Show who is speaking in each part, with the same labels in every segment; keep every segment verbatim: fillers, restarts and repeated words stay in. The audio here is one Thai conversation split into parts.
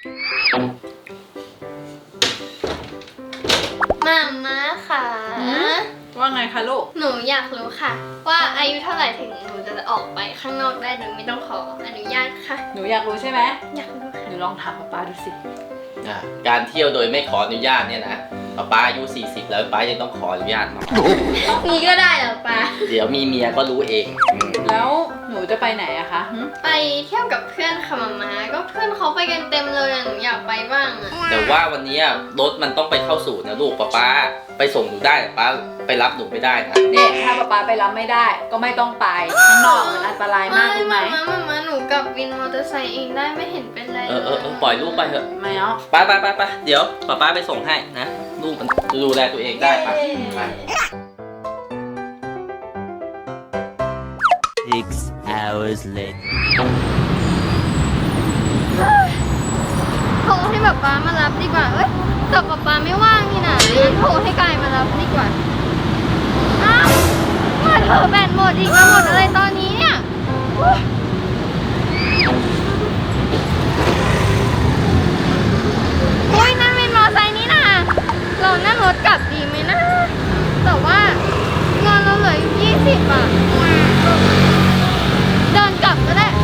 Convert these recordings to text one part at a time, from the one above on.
Speaker 1: มาม่าค่ะ
Speaker 2: ว่าไงคะลูก
Speaker 1: หนูอยากรู้ค่ะว่าอายุเท่าไหร่ถึงหนูจะออกไปข้างนอกได้โดยไม่ต้องขออนุญาตค่ะ
Speaker 2: หนูอยากรู้ใช่ไหม
Speaker 1: อยากรู้ค่ะ
Speaker 2: หนูลองถามป๊าดูสิ
Speaker 3: การเที่ยวโดยไม่ขออนุญาตเนี่ยนะป้าอายุสี่สิบแล้วป้ายังต้องขออนุญาตมา
Speaker 1: นี่ก็ได้เหรอป้า
Speaker 3: เดี๋ยวมีเมียก็รู้เอง
Speaker 2: แล้วหนูจะไปไหนอะคะ
Speaker 1: ไปเที่ยวกับเพื่อนค่ะมาม่าก็เพื่อนเขาไปกันเต็มเลยหนูอยากไปบ้างอะ
Speaker 3: แต่ว่าวันนี้รถมันต้องไปเข้าสู่นะลูกป้าป้าไปส่งหนูได้ป้าไปรับหนูไม่ได้นะ
Speaker 2: เนี่ยถ้าป๊าป๊าไปรับไม่ได้ก็ไม่ต้องไปข้างนอกมันอันตรายมากรู้ไหม
Speaker 1: มาม่ามาหนูกับวินมอเตอร์ไซค์เองได้ไม่เห็นเป็นไร
Speaker 3: เออเออปล่อยลูกไปเถอะ
Speaker 2: ไม่เอา
Speaker 3: ไปไปไปไปเดี๋ยวป้าป้าไปส่งให้นะลูกมันดูแลตัวเองได้ปะไป
Speaker 4: Six hours later
Speaker 1: โทรให้ป๊าป๊ามารับดีกว่าเอ้ยแต่ป๊าป๊าไม่ว่างนี่นะงั้นโทรให้กายมารับดีกว่าอ้าวมาเธอแบตหมดอีกมาหมดอะไรตอนนี้เนี่ยโอ้ยนั่นเป็นมอไซค์นี่นะเรานั่งรถกลับดีไหมนะแต่ว่าเงินเราเหลือยี่สิบบาทเดินกลับก็ได้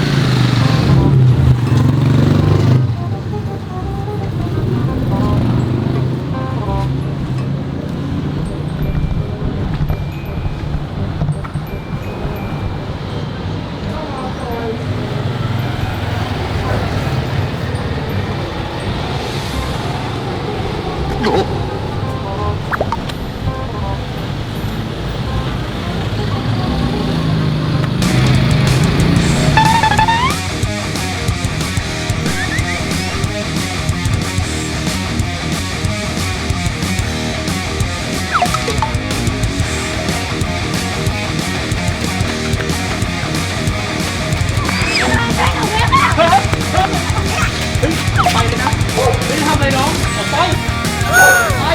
Speaker 3: ไปเลยนะไม่ทำอะไรน้องออกไปไป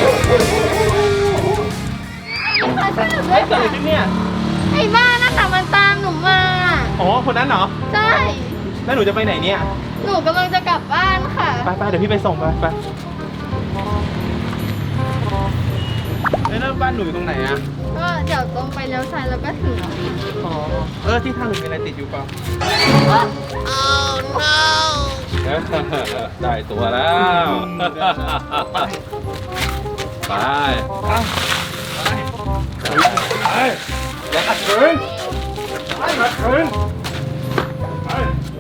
Speaker 3: เฮ้ยเกิดอะไรขึ้นเนี่ย
Speaker 1: ไอ้บ้านั่นแต่มันตามหนูมา
Speaker 5: อ๋อคนนั้นเหรอ
Speaker 1: ใช่
Speaker 5: แล้วหนูจะไปไหนเนี่ย
Speaker 1: หนูกำลังจะกลับบ้านค่ะ
Speaker 5: ไปไปเดี๋ยวพี่ไปส่งไปไปแล้วบ้านหนูอยู่ตรงไหนอ่ะ
Speaker 1: ก็เดี๋ยวตรงไปเลี้ยวซ้ายแล้วก็ถึงแล้ว
Speaker 5: อ๋อเออที่ทางหนูมีอะไรติดอยู่เปล่าได้ตัวแล้วไปไปไปอย่าขัดขืนไปขัดขืนไป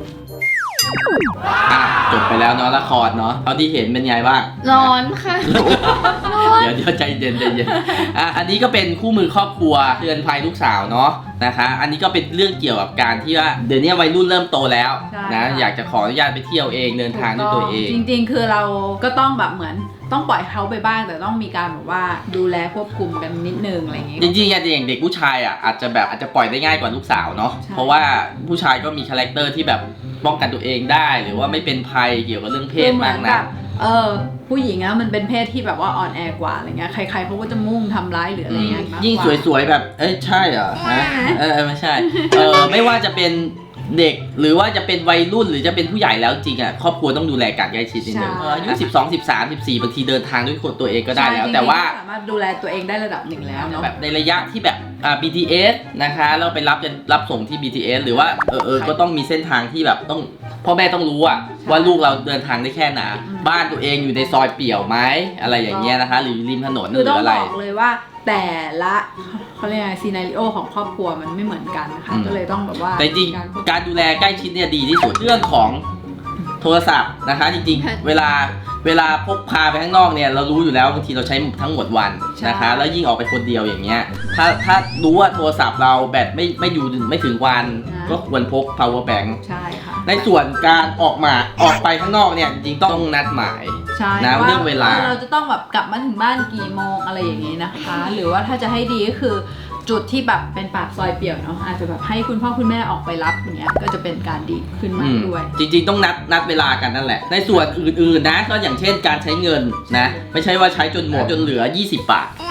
Speaker 3: จบไปแล้วเนาะละครเนาะเท่าที่เห็นเป็นไงบ้าง
Speaker 1: ร้อนค่ะ
Speaker 3: เดี๋ยวเดี๋ยวใจเย็นใจเย็นอ่ะอันนี้ก็เป็นคู่มือครอบครัวเตือนภัยลูกสาวเนาะนะคะอันนี้ก็เป็นเรื่องเกี่ยวกับการที่ว่าเดี๋ยวนี้วัยรุ่นเริ่มโตแล้วนะอยากจะขออนุญาตไปเที่ยวเองเดินทางด้วยตัวเอง
Speaker 2: จริงๆคือเราก็ต้องแบบเหมือนต้องปล่อยเขาไปบ้างแต่ต้องมีการแบบว่าดูแลควบคุมกันนิดนึงอะไรอย่างเงี้ย
Speaker 3: จริงๆอย่างเด็กผู้ชายอ่ะอาจจะแบบอาจจะปล่อยได้ง่ายกว่าลูกสาวเนาะเพราะว่าผู้ชายก็มีคาแรคเตอร์ที่แบบป้องกันตัวเองได้หรือว่าไม่เป็นภัยเกี่ยวกับเรื่องเพศมากนะ
Speaker 2: เออผู้หญิงอะมันเป็นเพศที่แบบว่าอ่อนแอกว่าอะไรเงี้ยใครๆเขาก็จะมุ่งทำร้ายหรืออะไรเงี้ย
Speaker 3: ยิ่งสวยๆแบบเอ้ยใช่เหรอฮะเออไม่ใช่เออไม่ว่าจะเป็นเด็กหรือว่าจะเป็นวัยรุ่นหรือจะเป็นผู้ใหญ่แล้วจริงอ่ะครอบครัวต้องดูแลกันใกล้ชิดนิดนึงอายุสิบสอง สิบสาม สิบสี่บางทีเดินทางด้วยคนตัวเองก็ได้แล้วแต่ว่า
Speaker 2: สามารถดูแลตัวเองได้ระดับหนึ่งแล้วเนาะ
Speaker 3: แบบในระยะที่แบบอ่า บี ที เอส นะคะเราไปรับจะรับส่งที่ บี ที เอส หรือว่าเออเออก็ต้องมีเส้นทางที่แบบต้องพ่อแม่ต้องรู้อะว่าลูกเราเดินทางได้แค่ไหนบ้านตัวเองอยู่ในซอยเปี่ยวไหมอะไรอย่างเงี้ยนะคะหรือริมถนนหรืออะไร
Speaker 2: คือต้องบอกเลยว่าแต่ละเขาเรียกอะไรซีนาริโอของครอบครัวมันไม่เหมือนกันนะคะก็เลยต้องแบบว่า
Speaker 3: แต่จริงการดูแลใกล้ชิดเนี่ยดีที่สุดเรื่องของโทรศัพท์นะคะจริงๆเวลาเวลาพกพาไปข้างนอกเนี่ยเรารู้อยู่แล้วบางทีเราใช้ทั้งหมดวันนะคะแล้วยิ่งออกไปคนเดียวอย่างเงี้ยถ้าถ้ารู้ว่าโทรศัพท์เราแบตไม่ไม่อยู่ไม่ถึงวันก็ควรพก power bank
Speaker 2: ใช่ค่ะ
Speaker 3: ในส่วนการออกมาออกไปข้างนอกเนี่ยจริงๆต้องนัดหมายนะเรื่องเวลา
Speaker 2: เราจะต้องแบบกลับมาถึงบ้านกี่โมงอะไรอย่างงี้นะคะหรือว่าถ้าจะให้ดีก็คือจุดที่แบบเป็นปากซอยเปี่ยวเนาะอาจจะแบบให้คุณพ่อคุณแม่ออกไปรับอย่างเงี้ยก็จะเป็นการดีขึ้นมากด้วย
Speaker 3: จริงๆต้องนัดนัดเวลากันนั่นแหละในส่วนอื่นๆนะก็อย่างเช่นการใช้เงินนะไม่ใช่ว่าใช้จนหมดจนเหลือยี่สิบบาท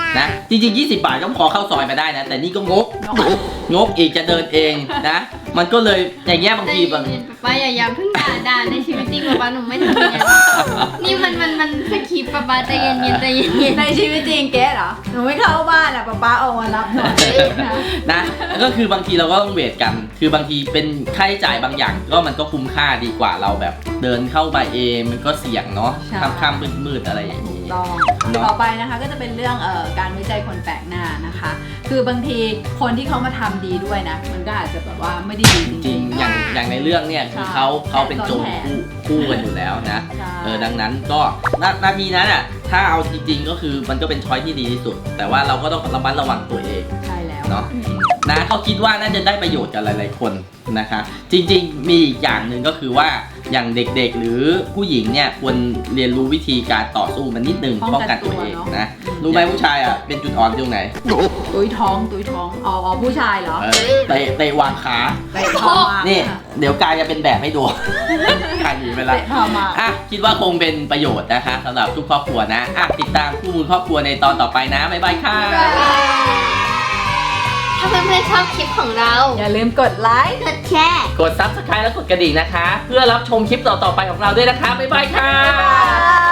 Speaker 3: นะจริงๆยี่สิบบาทก็พอเข้าซอยมาได้นะแต่นี่ก็งกงกอีกจะเดินเองนะมันก็เลยอย่างเงี้ยบางทีบาง
Speaker 1: ป้าอย่าอย่าเพิ่งด่าด่าในชีวิตจริงป้าหนูไม่ทำอย่างนี้นี่มันมันมันสคริปต์ป้าใจเย็นเย็นใจเย็นเย็น
Speaker 2: ในชีวิตจริงเก๊เหรอหนูไม่เข้าบ้านอ่ะป๊าป๊าออกมารับหน่อยนะ
Speaker 3: นะก็คือบางทีเราก็ต้องเวทกัน คือบางทีเป็นค่าใช้จ่ายบางอย่างก็มันก็คุ้มค่าดีกว่าเราแบบเดินเข้าไปเองมันก็เสี่ยงเนาะค่ำๆมืดๆอะไรอย่างนี้
Speaker 2: ต้อง
Speaker 3: เนอะ
Speaker 2: ต่อไปนะคะก็จะเป็นเรื่องเอ่อการไว้ใจคนแปลกหน้านะคะ คือบางทีคนที่เขามาทำดีด้วยนะ มันก็อาจจะแบบว่าไม่ได้ดีจ
Speaker 3: จริ
Speaker 2: ริ
Speaker 3: ง
Speaker 2: ง
Speaker 3: ๆอย่างอย่างในเรื่องเนี่ยคือเขาเขาเป็นโจรคู่คู่กันอยู่แล้วนะ
Speaker 2: ใช่
Speaker 3: เออดังนั้นก็หน้าหน้าที่นั้นอ่ะถ้าเอาจริงๆก็คือมันก็เป็นช้อยที่ดีที่สุด แต่ว่าเราก็ต้องระมัดระวังตัวเอง
Speaker 2: ๆ ใช่แล้ว
Speaker 3: เนาะนะก็คิดว่าน่าจะได้ประโยชน์กับหลายๆคนนะคะ จริงๆมีอีกอย่างหนึ่งก็คือว่าอย่างเด็กๆหรือผู้หญิงเนี่ยควรเรียนรู้วิธีการต่อสู้มันนิดนึงป้องกันตัวเองนะรู้ไหมผู้ชายอ่ะเป็นจุดอ่อนตรงไหน
Speaker 2: ตุ้ยท้องตุ้ยท้องอ๋ออ๋อผู้ชายเหรอ
Speaker 3: เออเตะเตะวางขา
Speaker 2: เตะท้องมาก
Speaker 3: นี่
Speaker 2: ค่ะ
Speaker 3: เดี๋ยวกายจะเป็นแบบให้ดู กายหนีไปละ
Speaker 2: เตะท้องมาก
Speaker 3: อ่ะคิดว่าคงเป็นประโยชน์นะคะสำหรับทุกครอบครัวนะอ่ะติดตามคู่มูลครอบครัวในตอนต่อไปนะบ๊ายบายค่ะ
Speaker 1: ถ้าเพื่อนๆชอบคลิปของเรา
Speaker 2: อย่าลืมกดไลค์
Speaker 1: กดแชร์
Speaker 3: กด ซับสไครบ์ และกดกระดิ่งนะคะ เพื่อรับชมคลิปต่อๆไปของเราด้วยนะคะบ๊ายบายค่ะ
Speaker 2: บ๊ายบาย